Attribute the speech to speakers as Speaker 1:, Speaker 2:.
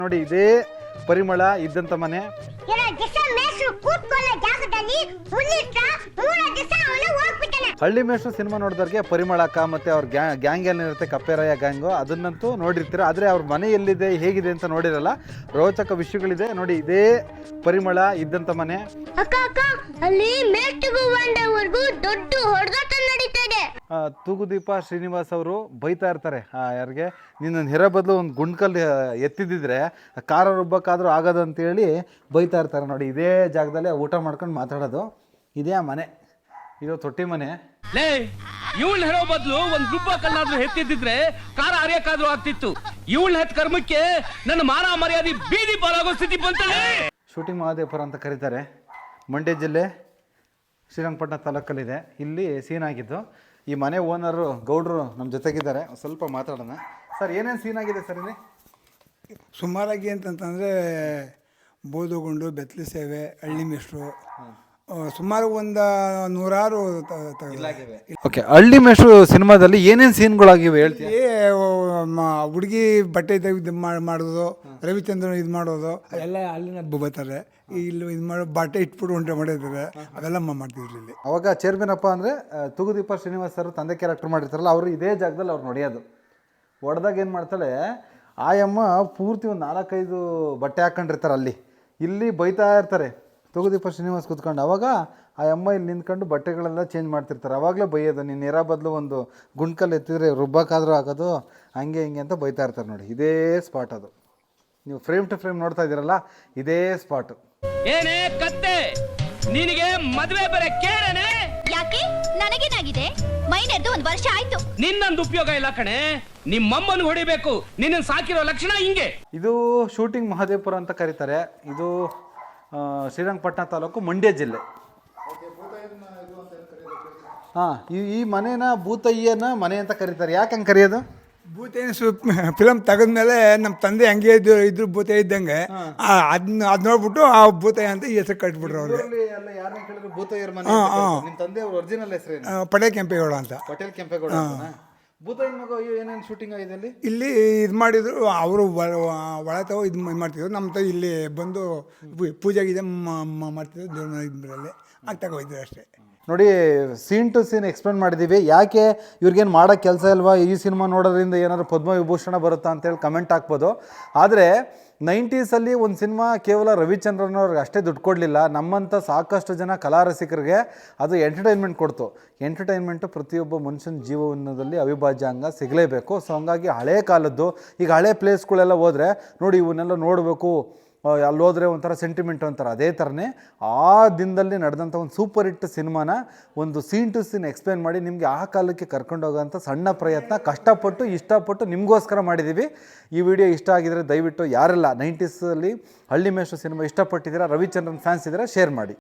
Speaker 1: ನೋಡಿ ಇದೇ ಪರಿಮಳ ಇದ್ದಂತ ಮನೆ. ಹಳ್ಳಿ ಮೇಷ್ಟ್ರು ಸಿನಿಮಾ ನೋಡಿದವ್ರಿಗೆ ಪರಿಮಳ ಅಕ್ಕ ಮತ್ತೆ ಅವ್ರ ಗ್ಯಾಂಗ್ ಏನಿರುತ್ತೆ ಕಪ್ಪೆರಾಯ ಗ್ಯಾಂಗು ಅದನ್ನಂತೂ ನೋಡಿರ್ತೀರ. ಆದರೆ ಅವ್ರ ಮನೆ ಎಲ್ಲಿದೆ ಹೇಗಿದೆ ಅಂತ ನೋಡಿರಲ್ಲ. ರೋಚಕ ವಿಷಯಗಳಿದೆ ನೋಡಿ. ಇದೇ ಪರಿಮಳ ಇದ್ದಂತ ಮನೆ. ತೂಗುದೀಪ ಶ್ರೀನಿವಾಸ್ ಅವರು ಬೈತಾ ಇರ್ತಾರೆ ಯಾರಿಗೆ, ನಿನ್ನ ಹೆರ ಬದಲು ಒಂದು ಗುಂಡ್ಕಲ್ ಎತ್ತಿದ್ದಿದ್ರೆ ಖಾರ ರುಬ್ಬಕ್ಕಾದ್ರೂ ಆಗೋದು ಅಂತೇಳಿ ಬೈತಾ ಇರ್ತಾರೆ ನೋಡಿ. ಇದೇ ಜಾಗದಲ್ಲಿ ಊಟ ಮಾಡ್ಕೊಂಡು ಮಾತಾಡೋದು. ಇದೇ ಆ ಮನೆ, ಇದು ತೊಟ್ಟಿ ಮನೆ.
Speaker 2: ಇವಳು ಹೆರೋ ಬದಲು ಒಂದು ರುಬ್ಬಕಲ್ಲಾದ್ರೂ ಎತ್ತಿದ್ದಿದ್ರೆ ಖಾರ ಅರಿಯಕ್ಕಾದ್ರೂ ಆಗ್ತಿತ್ತು. ಇವಳು ಹೆತ್ ಕರ್ಮಕ್ಕೆ ನನ್ನ ಮಾನ ಮರ್ಯಾದೆ ಬೀದಿ ಪಾಲಾಗೋ ಸ್ಥಿತಿ ಬಂತಲ್ಲ.
Speaker 1: ಶೂಟಿಂಗ್ ಮಹಾದೇವಪುರ ಅಂತ ಕರೀತಾರೆ. ಮಂಡ್ಯ ಜಿಲ್ಲೆ ಶ್ರೀರಂಗಪಟ್ಟಣ ತಾಲೂಕಲ್ಲಿದೆ. ಇಲ್ಲಿ ಸೀನ್ ಆಗಿದ್ದು. ಈ ಮನೆ ಓನರು ಗೌಡ್ರು ನಮ್ಮ ಜೊತೆಗಿದ್ದಾರೆ. ಸ್ವಲ್ಪ ಮಾತಾಡೋಣ. ಸರ್ ಏನೇನು ಸೀನ್ ಆಗಿದೆ ಸರ್ ಇಲ್ಲಿ?
Speaker 3: ಸುಮಾರಾಗಿ ಅಂತಂತಂದರೆ ಬೋಧುಗುಂಡು, ಬೆತ್ತಲೆ ಸೇವೆ, ಹಳ್ಳಿ ಮೇಷ್ಟ್ರು, ಸುಮಾರು ಒಂದು 100
Speaker 1: ಓಕೆ. ಹಳ್ಳಿ ಮೇಷ್ಟ್ರು ಸಿನಿಮಾದಲ್ಲಿ ಏನೇನು ಸೀನ್ಗಳಾಗಿವೆ ಹೇಳ್ತೀವಿ?
Speaker 3: ಹುಡುಗಿ ಬಟ್ಟೆ ಇದು ಮಾಡೋದು, ರವಿಚಂದ್ರನ್ ಇದು ಮಾಡೋದು ಎಲ್ಲ ಅಲ್ಲಿನ ಬರ್ತಾರೆ. ಇಲ್ಲಿ ಇದು ಮಾಡೋ ಬಟ್ಟೆ ಇಟ್ಬಿಟ್ಟು ಉಂಟೆ ಮಾಡಿದ್ದಾರೆ, ಅವೆಲ್ಲ ಮಾಡ್ತಿದ್ರು ಇಲ್ಲಿ.
Speaker 1: ಅವಾಗ ಚೇರ್ಮನ್ ಅಪ್ಪ ಅಂದರೆ ತೂಗುದೀಪ ಶ್ರೀನಿವಾಸ್ ಸರ್ ತಂದೆ ಕ್ಯಾರೆಕ್ಟರ್ ಮಾಡಿರ್ತಾರಲ್ಲ, ಅವರು ಇದೇ ಜಾಗದಲ್ಲಿ ಅವ್ರು ನೋಡಿಯೋದು. ಹೊಡೆದಾಗ ಏನು ಮಾಡ್ತಾಳೆ ಆಯಮ್ಮ, ಪೂರ್ತಿ ಒಂದು 4-5 ಬಟ್ಟೆ ಹಾಕೊಂಡಿರ್ತಾರೆ ಅಲ್ಲಿ. ಇಲ್ಲಿ ಬೈತಾ ಇರ್ತಾರೆ ತೂಗುದೀಪ ಶ್ರೀನಿವಾಸ್ ಕೂತ್ಕೊಂಡು. ಅವಾಗ ಆ ಅಮ್ಮ ಇಲ್ಲಿ ನಿಂತ್ಕೊಂಡು ಬಟ್ಟೆಗಳೆಲ್ಲ ಚೇಂಜ್ ಮಾಡ್ತಿರ್ತಾರೆ. ಅವಾಗಲೇ ಬೈಯೋದು, ನೀನು ನೆರ ಬದಲು ಒಂದು ಗುಂಡ್ಕಲ್ ಎತ್ತಿದ್ರೆ ರುಬ್ಬಕ್ಕಾದ್ರೂ ಆಗೋದು, ಹಂಗೆ ಹಿಂಗೆ ಅಂತ ಬೈತಾ ಇರ್ತಾರೆ ನೋಡಿ. ಇದೇ ಸ್ಪಾಟ್ ಅದು. ನೀವು ಫ್ರೇಮ್ ಟು ಫ್ರೇಮ್ ನೋಡ್ತಾ ಇದ್ದೀರಲ್ಲ, ಇದೇ ಸ್ಪಾಟು.
Speaker 2: ಏನೇ ಕತ್ತೆ, ನಿನಗೆ ಮದುವೆ ಬರ ಕೇಳನೆ?
Speaker 4: ಯಾಕೆ? ನನಗೇನಾಗಿದೆ? ಮೈನೆದ್ದು 1 ವರ್ಷ ಆಯ್ತು.
Speaker 2: ನಿನ್ನೊಂದು ಉಪಯೋಗ ಇಲ್ಲ ಕಣೆ. ನಿಮ್ಮಮ್ಮನ ಹೊಡಿಬೇಕು. ನಿನ್ನ ಸಾಕಿರೋ ಲಕ್ಷಣ ಹಿಂಗೆ.
Speaker 1: ಇದು ಶೂಟಿಂಗ್ ಮಹಾದೇವಪುರ ಅಂತ ಕರೀತಾರೆ. ಇದು ಶ್ರೀರಂಗಪಟ್ಟಣ ತಾಲೂಕು, ಮಂಡ್ಯ ಜಿಲ್ಲೆ. ಹಾಂ, ಈ ಮನೇನ ಭೂತಯ್ಯನ ಮನೆ ಅಂತ ಕರೀತಾರೆ. ಯಾಕೆ ಹಂಗೆ ಕರೆಯೋದು?
Speaker 3: ಭೂತಯ್ಯನ ಫಿಲಮ್ ತೆಗೆದ್ಮೇಲೆ ನಮ್ಮ ತಂದೆ ಹಂಗೆ ಇದ್ರು ಭೂತಯ್ಯ ಇದ್ದಂಗೆ, ಅದನ್ನ ನೋಡ್ಬಿಟ್ಟು ಆ ಭೂತಯ್ಯ ಅಂತ ಈ ಹೆಸರು ಕಟ್ಬಿಟ್ರು ಅವ್ರಿಗೆ.
Speaker 1: ಭೂತಯ್ಯರ ಮನೆ. ನಿಮ್ಮ ತಂದೆ ಒರಿಜಿನಲ್ ಹೆಸರು
Speaker 3: ಪಟೇಲ್ ಕೆಂಪೇಗೌಡ ಅಂತ.
Speaker 1: ಪಟೇಲ್ ಕೆಂಪೇಗೌಡ. ಭೂತಯ್ಯನ ಮಗ ಏನೇನು ಶೂಟಿಂಗ್ ಆಗಿದೆ ಅಲ್ಲಿ?
Speaker 3: ಇಲ್ಲಿ ಇದು ಮಾಡಿದ್ರು ಅವರು, ಒಳತವ ಇದು ಮಾಡ್ತಿದ್ರು. ನಮ್ಮ ಇಲ್ಲಿ ಬಂದು ಪೂಜೆ ಗೀಜೆ ಮಾಡ್ತಿದ್ರು ದೇವ್ರ ಇದರಲ್ಲಿ ಆಗ್ತಾಗ ಹೋಯ್ತಿದ್ರು ಅಷ್ಟೇ.
Speaker 1: ನೋಡಿ, ಸೀನ್ ಟು ಸೀನ್ ಎಕ್ಸ್ಪ್ಲೇನ್ ಮಾಡಿದ್ದೀವಿ. ಯಾಕೆ ಇವ್ರಿಗೇನು ಮಾಡೋಕ್ಕೆ ಕೆಲಸ ಇಲ್ವಾ, ಈ ಸಿನಿಮಾ ನೋಡೋದ್ರಿಂದ ಏನಾದ್ರು ಪದ್ಮವಿಭೂಷಣ ಬರುತ್ತಾ ಅಂತೇಳಿ ಕಮೆಂಟ್ ಹಾಕ್ಬೋದು. ಆದರೆ 90ಸಲ್ಲಿ ಒಂದು ಸಿನಿಮಾ ಕೇವಲ ರವಿಚಂದ್ರನ್ ಅವ್ರಿಗೆ ಅಷ್ಟೇ ದುಡ್ಡು ಕೊಡಲಿಲ್ಲ, ನಮ್ಮಂಥ ಸಾಕಷ್ಟು ಜನ ಕಲಾರಸಿಕರಿಗೆ ಅದು ಎಂಟರ್ಟೈನ್ಮೆಂಟ್ ಕೊಡ್ತು. ಎಂಟರ್ಟೈನ್ಮೆಂಟು ಪ್ರತಿಯೊಬ್ಬ ಮನುಷ್ಯನ ಜೀವನದಲ್ಲಿ ಅವಿಭಾಜ್ಯ ಅಂಗ ಸಿಗಲೇಬೇಕು. ಸೊ ಹಂಗಾಗಿ ಹಳೇ ಕಾಲದ್ದು, ಈಗ ಹಳೆ ಪ್ಲೇಸ್ಗಳೆಲ್ಲ ಹೋದರೆ ನೋಡಿ, ಇವನ್ನೆಲ್ಲ ನೋಡಬೇಕು, ಅಲ್ಲಿ ಹೋದರೆ ಒಂಥರ ಸೆಂಟಿಮೆಂಟ್ ಅಂತಾರೆ. ಅದೇ ಥರನೇ ಆ ದಿನದಲ್ಲಿ ನಡೆದಂಥ ಒಂದು ಸೂಪರ್ ಹಿಟ್ ಸಿನಿಮಾನ ಒಂದು ಸೀನ್ ಟು ಸೀನ್ ಎಕ್ಸ್ಪ್ಲೇನ್ ಮಾಡಿ ನಿಮಗೆ ಆ ಕಾಲಕ್ಕೆ ಕರ್ಕೊಂಡೋಗೋಂಥ ಸಣ್ಣ ಪ್ರಯತ್ನ ಕಷ್ಟಪಟ್ಟು ಇಷ್ಟಪಟ್ಟು ನಿಮಗೋಸ್ಕರ ಮಾಡಿದ್ದೀವಿ. ಈ ವಿಡಿಯೋ ಇಷ್ಟ ಆಗಿದರೆ ದಯವಿಟ್ಟು ಯಾರೆಲ್ಲ 90ಸಲ್ಲಿ ಹಳ್ಳಿ ಮೇಷ್ಟ್ರು ಸಿನಿಮಾ ಇಷ್ಟಪಟ್ಟಿದ್ದೀರಾ, ರವಿಚಂದ್ರನ್ ಫ್ಯಾನ್ಸ್ ಇದ್ದೀರಾ, ಶೇರ್ ಮಾಡಿ.